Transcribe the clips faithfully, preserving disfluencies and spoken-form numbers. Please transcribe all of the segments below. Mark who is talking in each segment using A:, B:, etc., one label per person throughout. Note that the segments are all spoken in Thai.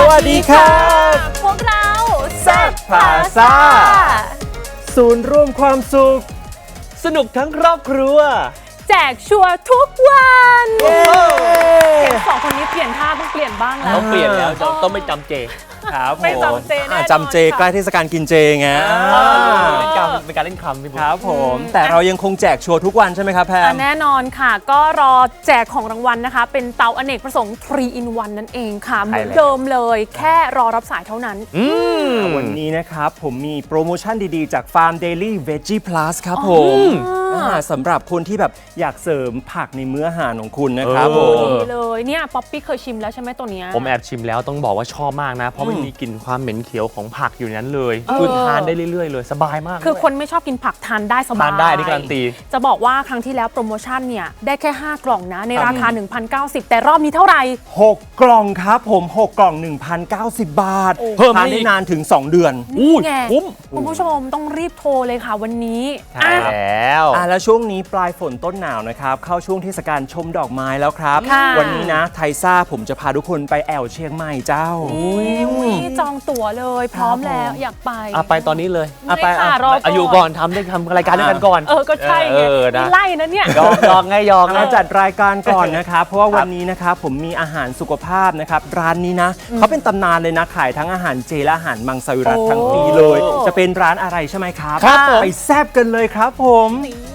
A: วัสดีครับ
B: พวกเรา
A: แซ่บพาซ่าศูนย์รวมความสุขสนุกทั้งครอบครัว
B: แจกชัวร์ทุกวันเห็นสองคนนี้เปลี่ยนท่าต้องเปลี่ยนบ้างแล้ว
C: ต้องเปลี่ยนแล้วต้องไม่จำเจ
A: ครับ
B: ไม่จำเจแน่นอน
A: จำเจใกล้เทศกาลกินเจไง
C: เป็นการเป็นการเล่นคำพี่บุ๊ค
A: ครับผมแต่เรายังคงแจกชัวร์ทุกวันใช่ไหมครับแพม
B: แน่นอนค่ะก็รอแจกของรางวัลนะคะเป็นเตาอเนกประสงค์ทรี in วันนั่นเองค่ะเหมือนเดิมเลยแค่รอรับสายเท่านั้น
A: วันนี้นะครับผมมีโปรโมชั่นดีๆจากฟาร์มเดลี่เวจี้พลัสครับผมสำหรับคนที่แบบอยากเสริมผักในมื้ออาหารของคุณนะครับผม
B: ดีเลยเนี่ยป๊อปปี้เคยชิมแล้วใช่ไหมตัวเนี้ย
C: ผมแอบชิมแล้วต้องบอกว่าชอบมากนะเพราะมันมีกลิ่นความเหม็นเขียวของผักอยู่นั้นเลยคือทานได้เรื่อยๆเลยสบายมาก
B: คือคนไม่ชอบกินผักทานได้สบาย
C: ทานได้ที่การันตี
B: จะบอกว่าครั้งที่แล้วโปรโมชั่นเนี่ยได้แค่ห้ากล่องนะในราคา หนึ่งพันเก้าสิบ แต่รอบนี้เท่าไหร่
A: หกกล่องครับผมหกกล่อง หนึ่งพันเก้าสิบ บาท
C: เพิ่ม
A: ทานได้นานถึงสองเดือน
B: นี่ไง
C: คุ้ม
B: คุณผู้ชมต้องรีบโทรเลยค่ะวันนี้
C: ใช่แล้ว
A: อ่ะแล้วช่วงนี้ปลายฝนต้นหนาวนะครับเข้าช่วงเทศกาลชมดอกไม้แล้วครับวันนี้นะไทซ่าผมจะพาทุกคนไปแอวเชียงใหม่เจ้า
B: จองตั๋วเลยพร้อมแล้วอยากไป
C: อ่ะไปตอนนี้เลย
B: อ่ะไป
C: อายุก่อนทำได้ทำรายการด้วยกันก่อน
B: เออก็ใช่ไงไล่นะเนี่ย
C: ยองยองไงยอง
A: นะจัดรายการก่อนนะครับเพราะว่าวันนี้นะครับผมมีอาหารสุขภาพนะครับร้านนี้นะเขาเป็นตำนานเลยนะขายทั้งอาหารเจและอาหารมังสวิรัติทั้งปีเลยจะเป็นร้านอะไรใช่ไหมครับไปแซ่บกันเลยครับผม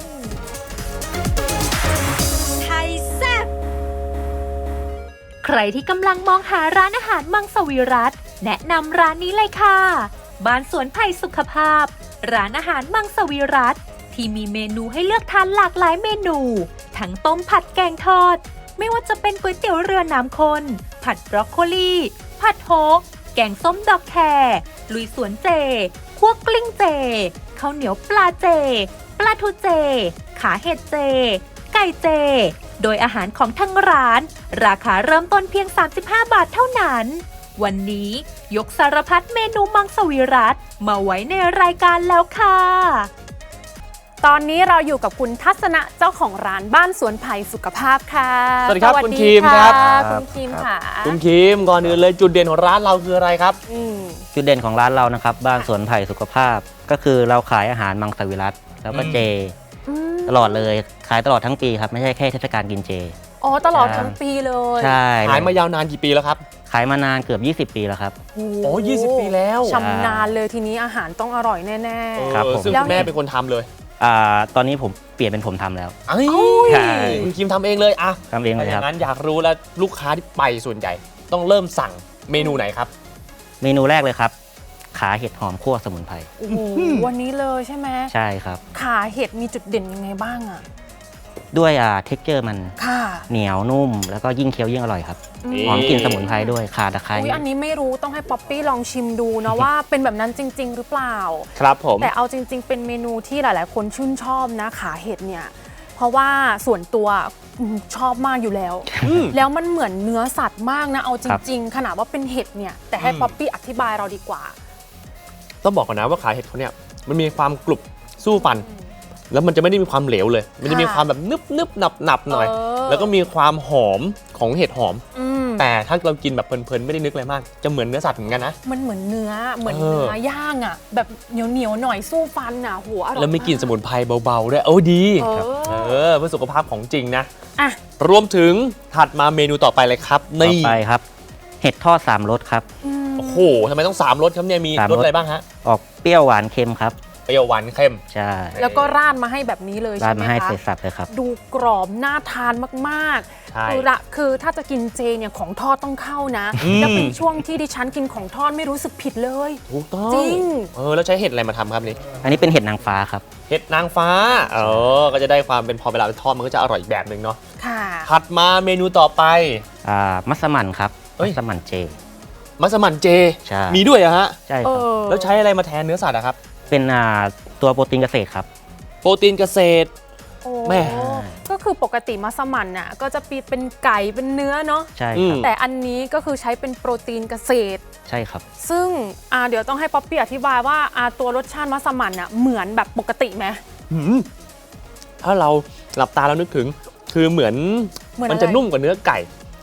D: ใครที่กำลังมองหาร้านอาหารมังสวิรัติแนะนำร้านนี้เลยค่ะบ้านสวนไผ่สุขภาพร้านอาหารมังสวิรัติที่มีเมนูให้เลือกทานหลากหลายเมนูทั้งต้มผัดแกงทอดไม่ว่าจะเป็นก๋วยเตี๋ยวเรือน้ำข้นผัดบรอกโคลีผัดโฮกแกงส้มดอกแครลุยสวนเจคั่วกลิ้งเจข้าวเหนียวปลาเจปลาทูเจขาเห็ดเจไก่เจโดยอาหารของทั้งร้านราคาเริ่มต้นเพียงสามสิบห้าบาทเท่านั้นวันนี้ยกสารพัดเมนูมังสวิรัติมาไว้ในรายการแล้วค่ะ
B: ตอนนี้เราอยู่กับคุณทัศนะเจ้าของร้านบ้านสวนไผ่สุขภาพค่ะ
C: สวัสดีครับคุณคิมครับ
B: คุณคิมค่ะ
C: คุณคิมก่อนอื่นเลยจุดเด่นของร้านเราคืออะไรครับ
E: จุดเด่นของร้านเรานะครับบ้านสวนไผ่สุขภาพก็คือเราขายอาหารมังสวิรัติแล้วก็เจตลอดเลยขายตลอดทั้งปีครับไม่ใช่แค่เทศกาลกินเจ
B: อ๋อตลอดทั้งปีเลย
E: ใช่
C: ขายมายาวนานกี่ปีแล้วครับ
E: ขายมานานเกือบยี่สิบปีแล้วครับ
C: โอ้ยี่สิบปีแล้ว
B: ชำนาญเลยทีนี้อาหารต้องอร่อยแน่
C: ๆครับผมซึ่งแม่เป็นคนทำเลย
E: อ่าตอนนี้ผมเปลี่ยนเป็นผมทำแล้ว
C: ใช่คุณคิมทำเองเลยอ่ะ
E: ทำเองเลยครับ
C: งั้นอยากรู้แล้วลูกค้าที่ไปส่วนใหญ่ต้องเริ่มสั่งเมนูไหนครับ
E: เมนูแรกเลยครับขาเห็ดหอมคั่วสมุนไพร
B: วันนี้เลยใช่ไหม
E: ใช่ครับ
B: ขาเห็ดมีจุดเด่นยังไงบ้างอ่ะ
E: ด้วยอ่าเท็กเจอร์มัน
B: ค่ะ
E: เหนียวนุ่มแล้วก็ยิ่งเคี้ยวยิ่งอร่อยครับหอมกลิ่นสมุนไพรด้วยข่าตะไคร้
B: อันนี้ไม่รู้ต้องให้ป๊อปปี้ลองชิมดูนะว่าเป็นแบบนั้นจริงๆหรือเปล่า
C: ครับผม
B: แต่เอาจริงๆเป็นเมนูที่หลายๆคนชื่นชอบนะขาเห็ดเนี่ยเพราะว่าส่วนตัวชอบมากอยู่แล้วแล้วมันเหมือนเนื้อสัตว์มากนะเอาจริงๆขนาดว่าเป็นเห็ดเนี่ยแต่ให้ป๊อปปี้อธิบายเราดีกว่า
C: ต้องบอกก่อนนะว่าขาเห็ดเขาเนี่ยมันมีความกรุบสู้ฟันแล้วมันจะไม่ได้มีความเหลวเลยมันจะมีความแบบนึบนึบหนับหนับหน่อยแล้วก็มีความหอมของเห็ดหอมแต่ถ้าเรากินแบบเพลินๆไม่ได้นึกอะไรมากจะเหมือนเนื้อสัตว์เหมือนกันนะ
B: มันเหมือนเนื้อเหมือนเนื้อย่างอ่ะแบบเหนียวเหนียวหน่อยสู้ฟันอ่ะหัวอร่อย
C: แล้วมีกลิ่นสมุนไพรเบาๆด้วยโอ้ดีเออเพื่อสุขภาพของจริงนะอ่ะรวมถึงถัดมาเมนูต่อไปเลยครับ
E: นี่ต่อไปครับเห็ดทอดสามรสครับ
C: โอ้โหทำไมต้องสามรสครับเนี่ยมีรสอะไรบ้างฮะ
E: ออกเปรี้ยวหวานเค็มครับ
C: เปรี้ยวหวานเค็ม
E: ใช่
B: แล้วก็ราดมาให้แบบนี้เลยใช่ไหมคะ
E: ราดมาให้เสร็จสับเลยครับ
B: ดูกรอบน่าทานมากๆคือละคือถ้าจะกินเจเนี่ยของทอดต้องเข้านะแล้วเป็นช่วงที่ดิฉันกินของทอดไม่รู้สึกผิดเลย
C: ถูกต้อง
B: จริง
C: เออแล้วใช้เห็ดอะไรมาทำครับนี่
E: อันนี้เป็นเห็ดนางฟ้าครับ
C: เห็ดนางฟ้าเออก็จะได้ความเป็นพอเวลาทอดมันก็จะอร่อยอีกแบบหนึ่งเนาะ
B: ค่ะ
C: ถัดมาเมนูต่อไป
E: อ่ามัสมั่นครับมัสมั่นเจ
C: มัสมั่นเจ
E: ใช่
C: มีด้วยเหรอฮะ
E: ใช่ครับ
C: แล้วใช้อะไรมาแทนเนื้อสัตว์อะครับ
E: เป็นอ่าตัวโปรตีนเกษตรครับ
C: โปรตีนเกษตร
B: แม่ก็คือปกติมัสมั่นน่ะก็จะเป็นไก่เป็นเนื้อเนาะ
E: ใช่ครับ
B: แต่อันนี้ก็คือใช้เป็นโปรตีนเกษตร
E: ใช่ครับ
B: ซึ่งอ่าเดี๋ยวต้องให้ป๊อปปี้อธิบายว่าอ่าตัวรสชาติมัสมั่นน่ะเหมือนแบบปกติไหม
C: ถ้าเราหลับตาแล้วนึกถึงคือเหมือนมันจะนุ่มกว่าเนื้อไก่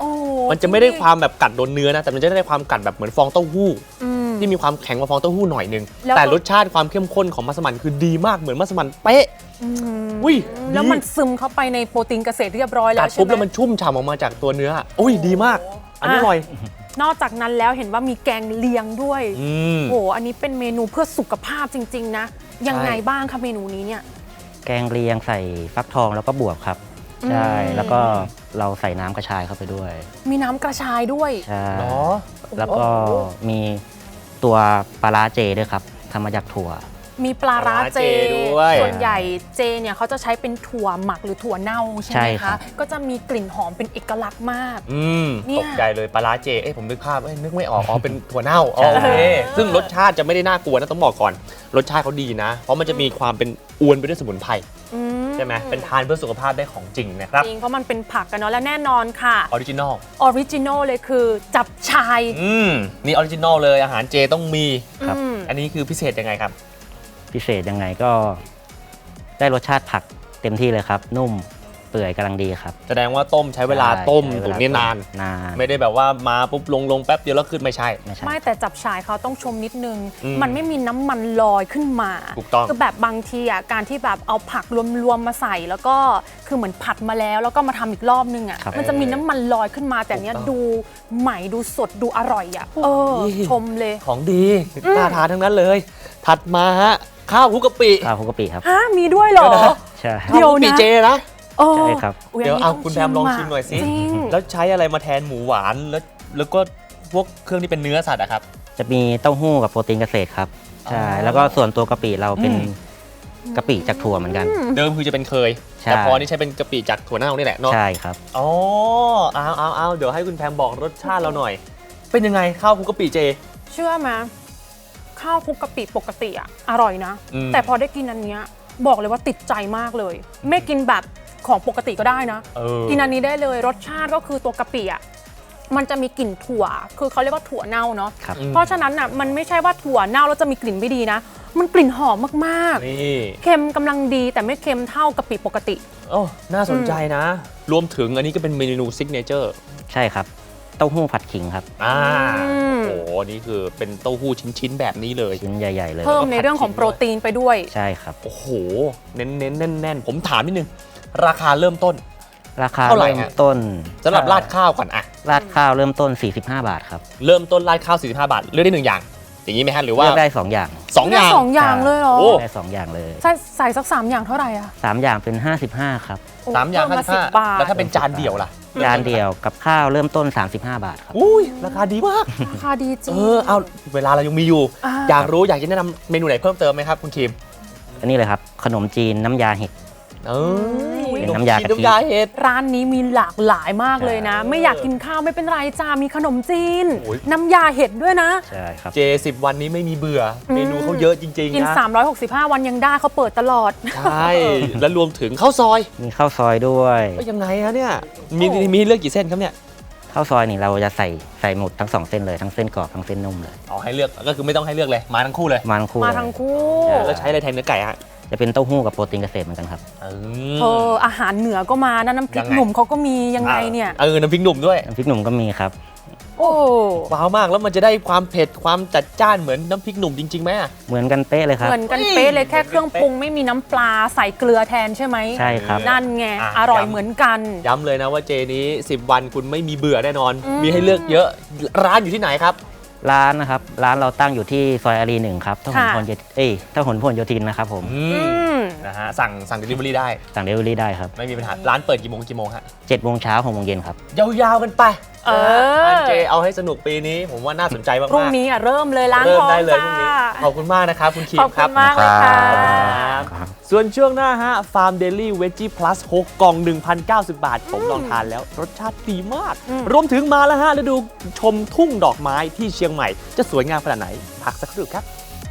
C: มันจะไม่ได้ความแบบกัดโดนเนื้อนะแต่มันจะได้ความกัดแบบเหมือนฟองเต้าหู้
B: อืม
C: ที่มีความแข็งกว่าฟองเต้าหู้หน่อยนึง
B: แล้ว
C: แต่รสชาติความเข้มข้นของมัสมั่นคือดีมากเหมือนมัสมั่นเป๊ะ
B: อืม
C: อุ้ย
B: แล้ว
C: ดี
B: มันซึมเข้าไปในโปรตีนเกษตรเรียบร้อยแล้
C: กั
B: ว
C: ด
B: ใช่
C: ปุ๊บ
B: ไหม
C: แล้วมันชุ่มฉ่ำออกมาจากตัวเนื้ออุ้ยดีมาก อันนี้อร่อย
B: นอกจากนั้นแล้วเห็นว่ามีแกงเลียงด้วย
C: อืม
B: โอ้โหอันนี้เป็นเมนูเพื่อสุขภาพจริง ๆ นะ ยังไง
C: ใช่
B: บ้างคะเมนูนี้เนี่ย
E: แกงเลียงใส่ฟักทองแล้วก็บวบครับ ใช่
B: อืม
E: แล้วก็เราใส่น้ำกระชายเข้าไปด้วย
B: มีน้ำกระชายด้วย
E: ใช่
C: เนาะ
E: แล้วก็มีตัวปลาร้าเจด้วยครับทำมาจากถั่ว
B: มีปลาร้าเจ
C: ปลาร้าเจด้วย
B: ส่วนใหญ่เจเนี่ยเขาจะใช้เป็นถั่วหมักหรือถั่วเน่าใช่ไห
E: ใช่
B: ม
E: ครั
B: คะ
E: บ
B: ก็จะมีกลิ่นหอมเป็นเอกลักษณ์มาก
C: อืม
B: เนี่ย
C: ตกใจเลยปลาร้าเจ เอ้ยผมนึกภาพเอ้ยนึกไม่ออก อ๋อ เป็นถั่วเน่าอ๋อโอเค ซึ่งรสชาติจะไม่ได้น่ากลัวนะต้องบอกก่อน รสชาติเขาดีนะ เพราะมันจะมีความเป็นอวนไปด้วยสมุนไพร
B: อื
C: ใช่ไหมเป็นทานเพื่อสุขภาพได้ของจริงนะครับ
B: จริงเพราะมันเป็นผักกันเนาะและแน่นอนค่ะ
C: ออริจินอล
B: ออริจินอลเลยคือจับชาย
C: อืม นี่ออริจินอลเลยอาหารเจต้องมี
E: ครับ
B: อืม
C: อันนี้คือพิเศษยังไงครับ
E: พิเศษยังไงก็ได้รสชาติผักเต็มที่เลยครับ นุ่มเปื่อยกำลังดีครับ
C: แสดงว่าต้มใช้เวลาต้ม
E: ใช้เว
C: ตุ๋น
E: ลา
C: เนี่ยนาน
E: นาน
C: ไม่ได้แบบว่ามาปุ๊บลงลงแป๊บเดียวแล้วขึ้นไม่ใช่
E: ไม่ใช่
B: ไม่แต่จับชายเขาต้องชมนิดนึง
C: อืม
B: มันไม่มีน้ำมันลอยขึ้นมา
C: ถูกต้อง
B: คือแบบบางทีอ่ะการที่แบบเอาผักรวมๆมาใส่แล้วก็คือเหมือนผัดมาแล้วแล้วก็มาทำอีกรอบนึงอ่ะ
E: ครับ
B: มันจะมีน้ำมันลอยขึ้นมาแต่เนี้ย
C: ถูกต้อง
B: ดูใหม่ดูสดดูอร่อยอ่ะเออ
C: นี่
B: ชมเลย
C: ของดีน่าทานทั้งนั้นเลย ถัดมาฮะข้าวคลุกกะปิ
E: ข้าวคลุกกะปิครับ
B: ฮะมีด้วยเหรอ
E: ใช่
B: เดี๋ยว
C: ข้าวคลุกกะปิ
B: นะ
C: เจนะ
B: เออ
E: ใช่ครับ
B: อุ๊ย
C: เดี๋ยว
B: นี้
C: เอา
B: ต้
C: คุณแพมลองชิมหน่อยสิ
B: จริง
C: แล้วใช้อะไรมาแทนหมูหวานแล้วแล้วก็พวกเครื่องที่เป็นเนื้อสัตว์อะครับ
E: จะมีเต้าหู้กับโปรตีนเกษตรครับใช่
C: อ๋อ
E: แล้วก็ส่วนตัวกะปิเราเป็น
C: อืม
E: กะปิจากถั่วเหมือนกัน
C: เดิมคือจะเป็นเคย
E: ใช่
C: แต่พอนี่ใช้เป็นกะปิจากถั่วเน่านี่แหละเนาะ
E: ใช่ครับ
C: อ๋อเอาเอาเอาเดี๋ยวให้คุณแพมบอกรสชาติเราหน่อย เป็นยังไงข้าวคลุกกะปิเจ
B: เชื่อไหมข้าวคลุกกะปิปกติอ่ะอร่อยนะ
C: อืม
B: แต่พอได้กินอันเนี้ยบอกเลยว่าติดใจมากเลย ไม่กินแบบของปกติก็ได้นะ
C: เออ
B: กินอันนี้ได้เลยรสชาติก็คือตัวกะปิอ่ะมันจะมีกลิ่นถั่ว คือเขาเรียกว่าถั่วเน่าเนาะ
E: ครับ
B: เพราะฉะนั้นอ่ะมันไม่ใช่ว่าถั่วเน่าแล้วจะมีกลิ่นไม่ดีนะ มันกลิ่นหอมมาก
C: นี่
B: ๆ เค็มกำลังดีแต่ไม่เค็มเท่ากะปิปกติ
C: โอ้น่าสนใจนะ รวมถึงอันนี้ก็เป็นเมนูซิกเนเจอร์
E: ใช่ครับ เต้าหู้ผัดขิงครับ
C: อ่า
B: อืม
C: โอ้โหนี่คือเป็นเต้าหู้ชิ้นๆแบบนี้เลย
E: ชิ้นใหญ่ ๆ เลย
B: เพิ่มในเรื่องของโปรตีนไปด้วย
E: ใช่ครับ
C: โอ้โห เน้นๆแน่นๆ ผมถามนิดนึง ราคาเริ่มต้น
E: ราคา
C: เท่าไหร่
E: เริ่ม
C: ฮะ
E: ต้น
C: สำหรับราดข้าวก่อนอะ
E: ราดข้าวเริ่มต้น สี่สิบห้า บาทครับ
C: เริ่มต้นราดข้าว สี่สิบห้า บาท เลือกได้หนึ่งอย่าง อย่างนี้ไหมฮะ หรือว่า
E: เลือกได้สองอย่าง
C: สองอย่าง
B: สองอย่างเลยเหรอ
C: โอ้
E: ได้สองอย่างเลย
B: ใช่ใส่สักสามอย่างเท่าไหร่อะ
E: สามอย่างเป็นห้าสิบห้าครับ
B: โอ้
C: สามอย่าง
B: เพิ่ม
C: ห้า
B: มา
C: สิ
B: สิ
C: บ
B: บ
C: ห้า
B: บาท
C: แล้วถ้าเป็นจานเดียวล่ะ
E: จานเดียวกับข้าวเริ่มต้น สามสิบห้า บาทครับ
C: อุ้ย ราคาดีมาก
B: ราคาดีจริง
C: เออ เอาเวลาเรายังมีอยู่
B: อ่า
C: อยากรู้อยากจะแนะนำเมนูไหนเพิ่มเติมไหมครับคุณคิม
E: อันนี้เลยครับ ขนมจีนน้ำยาเห็ด
C: เออ
E: เป็นน้ำยากะทิ
C: น้ำยาเห็ด
B: ร้านนี้มีหลากหลายมากเลยนะ
E: ใช่
B: ไม่อยากกินข้าวไม่เป็นไรจ้ามีขนมจีน
C: โอ้ย
B: น้ำยาเห็ดด้วยนะ
E: ใช่ครับ
C: เจสิบวันนี้ไม่มีเบื่ออ
B: ม
C: เมนูเขาเยอะจริง
B: กิน
C: ๆนะ
B: สามร้อยหกสิบห้า วันยังได้เขาเปิดตลอด
C: ใช่ แล้วรวมถึงข้าวซอย
E: มีข้าวซอยด้วย
C: เอ้ยยังไงฮะเนี่ย มี
B: โอ้
C: มีให้เลือกกี่เส้นครับเนี่ย
E: ข้าวซอยนี่เราจะใส่ใส่หมดทั้งสองเส้นเลยทั้งเส้นกรอบทั้งเส้นนุ่มเลย
C: เอาให้เลือก ก็คือไม่ต้องให้เลือกเลย มาทั้งคู่เลย
E: มาทั้งคู่
B: มา
E: เลย
B: ทั้งคู่
E: ใช่
C: แล้วใช้อะไรแทนเนื้อไก่ฮะ
E: จะเป็นเต้าหู้กับโปรตีนเกษตรเหมือนกันครับ
C: เอ
B: เอออาหารเหนือก็มานะน้ำพริ
C: ยั
B: ก
C: งไง
B: หนุ่มเขาก็มียังไงเนี่ย
C: เออ น้ำพริกหนุ่มด้วย
E: น้ำพริกหนุ่มก็มีครับ
B: โอ้
C: ว้าวมาก แล้วมันจะได้ความเผ็ด ความจัดจ้านเหมือนน้ำพริกหนุ่มจริงๆไหมอะ
E: เหมือนกันเป๊ะเลยครับ
B: เหมือนกันเป๊ะเลยแค่เครื่องปรุงไม่มีน้ำปลาใส่เกลือแทนใช่ไหม
E: ใช่ครับ
B: นั่นไง
C: อ่ะ
B: อร่อย
C: ย้ำ
B: เหมือนกัน
C: ย้ำเลยนะว่าเจนี้ สิบ วันคุณไม่มีเบื่อแน่นอน
B: อืม
C: มีให้เลือกเยอะ ร้านอยู่ที่ไหนครับ
E: ร้านนะครับ ร้านเราตั้งอยู่ที่ซอยอารีหนึ่งครับถ้าหนพลโยธินเอ้ยถ้าหนพลโยธินนะครับผม
C: อื
B: อื
C: ม
B: ม
C: นะฮะ สั่งสั่ง delivery ได้
E: สั่งเดลิเวอรี่ได้ครับ
C: ไม่มีปัญหา ร้านเปิดกี่โมงกี่โมงฮะ
E: เจ็ดโมงเช้าหกโมงเย็นครับ
C: ยาวๆกันไป
B: เออ
C: ร้านเจเอาให้สนุกปีนี้ ผมว่าน่าสนใจมากๆ
B: พรุ่งนี้อ่ะเริ่มเลยล้าง
C: เริ่ม
B: ท้อง
C: ได้เลย
B: จ้า
C: พรุ่งนี้ ขอบคุณมากนะครับ คุณคิม
B: ขอบ
C: ค
B: คุ
C: รับ
B: ณมากเลยค่ะ
C: ครับส่วนช่วงหน้าฮะ Farm Daily Veggie Plus หก กล่อง หนึ่งพันเก้าสิบ บาท ผมลองทานแล้ว รสชาติดีมาก
B: อืม
C: รวมถึงมาแล้วฮะฤดูชมทุ่งดอกไม้ที่เชียงใหม่ จะสวยงามขนาดไหน พักสักครู่ครับ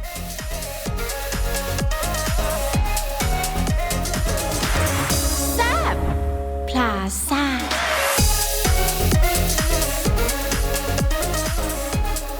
F: พลาซ่า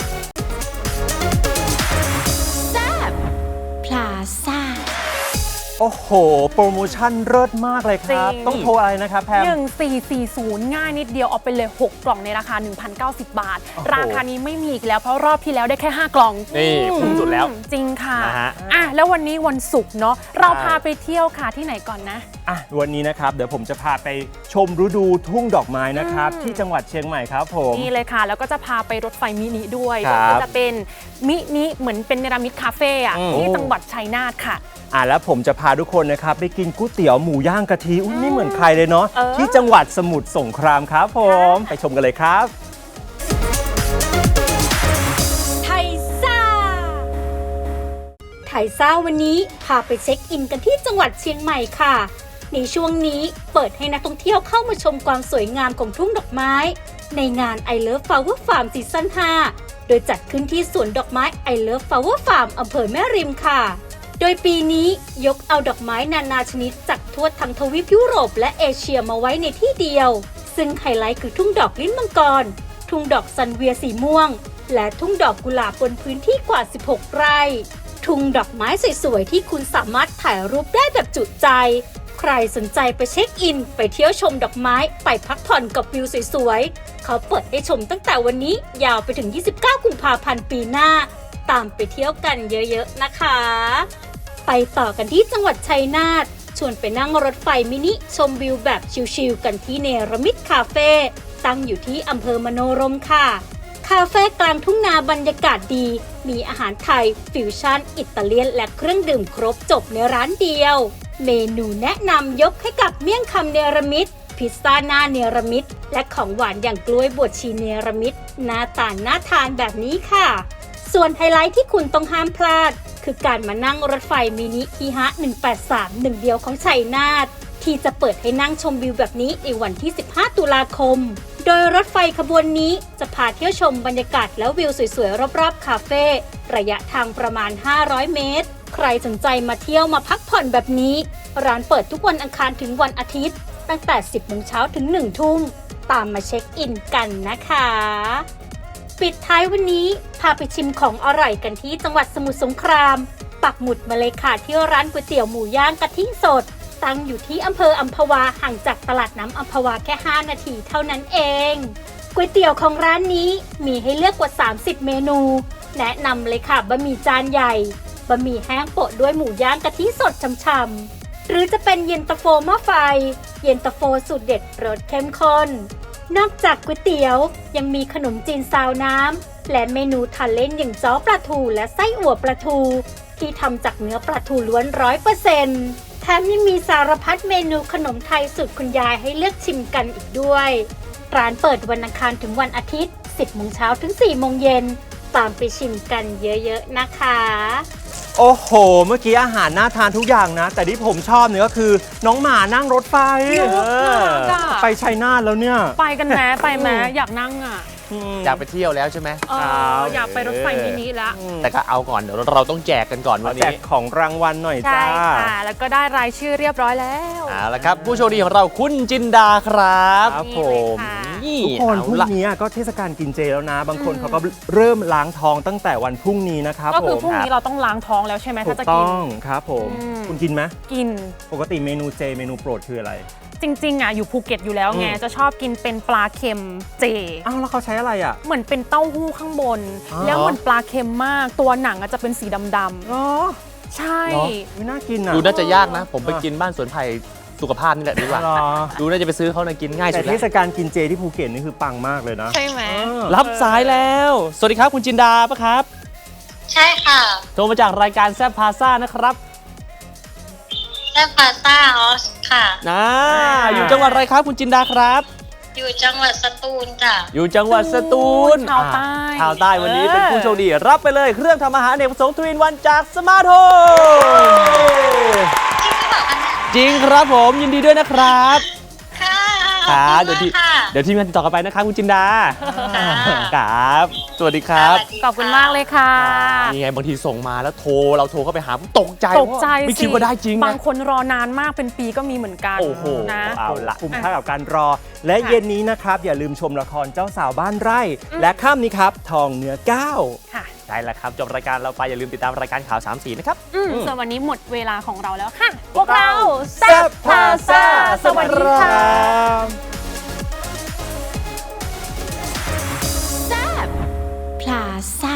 F: แซบพลาซ่า
A: โอ้โห โปรโมชั่นเลิศมากเลยครับ
B: จริง
A: ต้องโทรอะไรนะครับแพม
B: หนึ่งสี่สี่ศูนย์ง่ายนิดเดียวเอาไปเลย หก กล่องในราคา หนึ่งพันเก้าสิบ บาท
A: โอ้โห
B: ราคานี้ไม่มีอีกแล้วเพราะรอบที่แล้วได้แค่ ห้า กล่อง
C: นี่คุ้มสุดแล้ว
B: จริงค่ะ
C: นะฮะ
B: อ่ะ แล้ววันนี้วันศุกร์เนาะเราพาไปเที่ยวค่ะที่ไหนก่อนนะ
A: อ่ะวันนี้นะครับเดี๋ยวผมจะพาไปชมฤดูทุ่งดอกไม้นะครับ
B: อืม
A: ที่จังหวัดเชียงใหม่ครับผม
B: นี่เลยค่ะ แล้วก็จะพาไปรถไฟมินิด้วย
A: ครับ
B: ก็จะเป็นมินิเหมือนเป็นเนรมิตคาเฟ่อะ
A: อืม
B: ที่จังหวัดชัยนาทค่ะ
A: อ่ะแล้วผมจะพาทุกคนนะครับไปกินก๋วยเตี๋ยวหมูย่างกะทิอุ้ยไม่เหมือนใครเลยเนาะ
B: เออ
A: ที่จังหวัดสมุทรสงครามครับผม
B: ค่ะ
A: ไปชมกันเลยครับ
G: ไทยซ่า ไทยซ่าวันนี้พาไปเช็คอินกันที่จังหวัดเชียงใหม่ค่ะ ในช่วงนี้เปิดให้นักท่องเที่ยวเข้ามาชมความสวยงามของทุ่งดอกไม้ ในงาน I Love Flower Farm ซีซั่น ห้า โดยจัดขึ้นที่สวนดอกไม้ I Love Flower Farm อำเภอแม่ริมค่ะ โดยปีนี้ยกเอาดอกไม้นานาชนิดจากทั่วทั้งทวีปยุโรปและเอเชียมาไว้ในที่เดียว ซึ่งไฮไลท์คือทุ่งดอกลิ้นมังกร ทุ่งดอกซันเวียสีม่วง และทุ่งดอกกุหลาบบนพื้นที่กว่า สิบหก ไร่ ทุ่งดอกไม้สวยๆที่คุณสามารถถ่ายรูปได้แบบจุใจ ใครสนใจไปเช็คอิน ไปเที่ยวชมดอกไม้ ไปพักผ่อนกับวิวสวยๆ เขาเปิดให้ชมตั้งแต่วันนี้ยาวไปถึง ยี่สิบเก้า กุมภาพันธ์ปีหน้า ตามไปเที่ยวกันเยอะๆนะคะ ไปต่อกันที่จังหวัดชัยนาท ชวนไปนั่งรถไฟมินิชมวิวแบบชิลๆกันที่เนรมิตคาเฟ่ตั้งอยู่ที่อำเภอมโนรมค่ะ คาเฟ่กลางทุ่งนาบรรยากาศดี มีอาหารไทย ฟิวชั่น อิตาเลียน และเครื่องดื่มครบจบในร้านเดียว เมนูแนะนำยกให้กับเมี่ยงคำเนรมิต พิซซ่าหน้าเนรมิต และของหวานอย่างกล้วยบวชชีเนรมิตหน้าตาน่าทานแบบนี้ค่ะ ส่วนไฮไลท์ที่คุณต้องห้ามพลาด คือการมานั่งรถไฟมินิอีฮะหนึ่งแปดสาม หนึ่งเดียวของชัยนาทที่จะเปิดให้นั่งชมวิวแบบนี้ในวันที่ สิบห้า ตุลาคม โดยรถไฟขบวนนี้จะพาเที่ยวชมบรรยากาศและวิวสวยๆรอบๆคาเฟ่ระยะทางประมาณ ห้าร้อย เมตร ใครสนใจมาเที่ยวมาพักผ่อนแบบนี้ ร้านเปิดทุกวันอังคารถึงวันอาทิตย์ ตั้งแต่ สิบ โมงเช้าถึง หนึ่ง ทุ่ม ตามมาเช็คอินกันนะคะ ปิดท้ายวันนี้พาไปชิมของอร่อยกันที่จังหวัดสมุทรสงคราม ปักหมุดมาเลยค่ะที่ร้านก๋วยเตี๋ยวหมูย่างกะทิสด ตั้งอยู่ที่อำเภออัมพวาห่างจากตลาดน้ำอัมพวาแค่ ห้า นาทีเท่านั้นเองก๋วยเตี๋ยวของร้านนี้มีให้เลือกกว่า สามสิบ เมนู แนะนำเลยค่ะบะหมี่จานใหญ่บะหมี่แห้งโปะด้วยหมูย่างกะทิสดช่ำๆหรือจะเป็นเย็นตาโฟหม้อไฟ เย็นตาโฟสูตรเด็ดรสเข้มข้นนอกจากก๋วยเตี๋ยวยังมีขนมจีนซาวน้ำและเมนูทานเล่นอย่างจ้อปลาทูและไส้อั่วปลาทูที่ทำจากเนื้อปลาทูล้วน ร้อยเปอร์เซ็นต์ แถมยังมีสารพัดเมนูขนมไทยสูตรคุณยายให้เลือกชิมกันอีกด้วยร้านเปิดวันอังคารถึงวันอาทิตย์ สิบ โมงเช้าถึง สี่ โมงเย็นตามไปชิมกันเยอะๆนะคะ
A: โอ้โห เมื่อกี้อาหารน่าทานทุกอย่างนะ แต่ที่ผมชอบเนี่ยก็คือน้องหมานั่งรถไฟ
B: เนอะ
A: เออ
B: น่ารักอะ
A: ไปชัยนาทแล้วเนี่ย
B: ไปกันแม้ไปแม้อยากนั่งอ่ะ
C: อยากไปเที่ยวแล้วใช่ไหม
B: เอออยากไปรถไฟมินิแล้ว
C: แต่ก็เอาก่อนเดี๋ยวเราต้องแจกกันก่อน
A: มา
C: วัน
A: แจ
C: นี้
A: กของรางวัลหน่อย
B: ใช่
A: จ้า
B: ค่ะ แล้วก็ได้รายชื่อเรียบร้อยแล้ว
C: เอาละครับ ผู้โชคดีของเราคุณจินดาครับ
A: ครับ
B: นี่
A: ผ
B: เลย
A: ม
B: ค่ะ
C: นี่
A: ทุกคน
C: เอา
A: พรุ่ง
C: ละ
A: นี้ก็เทศกาลกินเจแล้วนะ บางคน
B: อืม
A: เขาก็เริ่มล้างท้องตั้งแต่วันพรุ่งนี้นะครับ
B: ก็คือ
A: ผม
B: พรุ่งนี้เราต้องล้างท้องแล้วใช่ไหม
A: ถู
B: ถ้าก จะกิ
A: ต้
B: น
A: องครับผม
B: อืม
A: คุณกินไหม
B: กิน
A: ปกติเมนูเจเมนูโปรดคืออะไร
B: จริงๆอ่ะอยู่ภูเก็ตอยู่แล้วไง
A: อืม
B: จะชอบกินเป็นปลาเค็มเจ
A: อ้าวแล้วเขาใช้อะไรอ่ะ
B: เหมือนเป็นเต้าหู้ข้างบน
A: อ๋อ
B: แล้วเหมือนปลาเค็มมาก ตัวหนังอะจะเป็นสีดำ
A: เหรอ
B: ๆใช่
A: เหรอไม่น่ากินอ่ะ
C: ดูน่าจะยากนะ ผมไปกินบ้านสวนไผ่สุขภาพนี่แหละดีกว่า
A: เหรอ
C: ดูน่าจะไปซื้อเขานะกินง่ายสุ
A: แต่
C: ด
A: เท
C: แล้ว
A: ศกาลกินเจที่ภูเก็ตนี่คือปังมากเลยนะ
B: ใช่ไหม
A: เออ
C: รับสายแล้ว สวัสดีครับคุณจินดาปะครับ
H: ใช่ค่ะ
C: โทรมาจากรายการแซบพาซ่านะครับ
H: แซมพาซ่าออสค่ะ
C: นะอยู่จังหวัดอะไรครับคุณจินดาครับ
H: อยู่จังหวัดสตูลจ้ะ
C: อยู่จังหวัดสตูล
B: ชาวใต้
C: อ่าชาวใต้วันนี้เป็นผู้โชคดี รับไปเลยเครื่องทำอาหารอเนกประสงค์ทวินวันจากสมาร์ทโฮม
H: จริงหรือเปล่าคะเนี่ย
C: จริงครับผมยินดีด้วยนะครับ
H: ค่ะ
C: ครับ
H: ข
C: เดี๋
H: อย บ
C: ว
H: คุ
C: ที่
H: ณมากค่ะ
C: เดี๋ยวทีมงานติดต่อกลับไปนะครับคุณจินดา
H: ค่ะ
C: ครับ สวัสดีครับ
H: สวัสดี
B: ขอบคุณมากเลยค่ะ
C: นี่ไงบางทีส่งมาแล้วโทรเราโทรเข้าไปหาตกใจ
B: ตกใจ
C: ไม่
B: สิ
C: คิดว่าได้จริง
B: บา
C: นะ
B: งคนรอนานมากเป็นปีก็มีเหมือนกัน
C: โอ้โห
B: นะ
C: เอาละ
A: คุ้มค่ากับการรอ และ
B: ค่ะ
A: เย็นนี้นะครับ อย่าลืมชมละครเจ้าสาวบ้านไร่ และค่ำนี้ครับ ทองเนื้อก้าว
B: ค่ะ
C: ใช่แล้วครับจบรายการเราไปอย่าลืมติดตามรายการข่าวสามสีนะครับ
B: อืมส่วนวันนี้หมดเวลาของเราแล้วค่ะ
C: พวกเรา
B: แซ่บพาซ่าสวัสดีค่ะ
F: พลาซ่า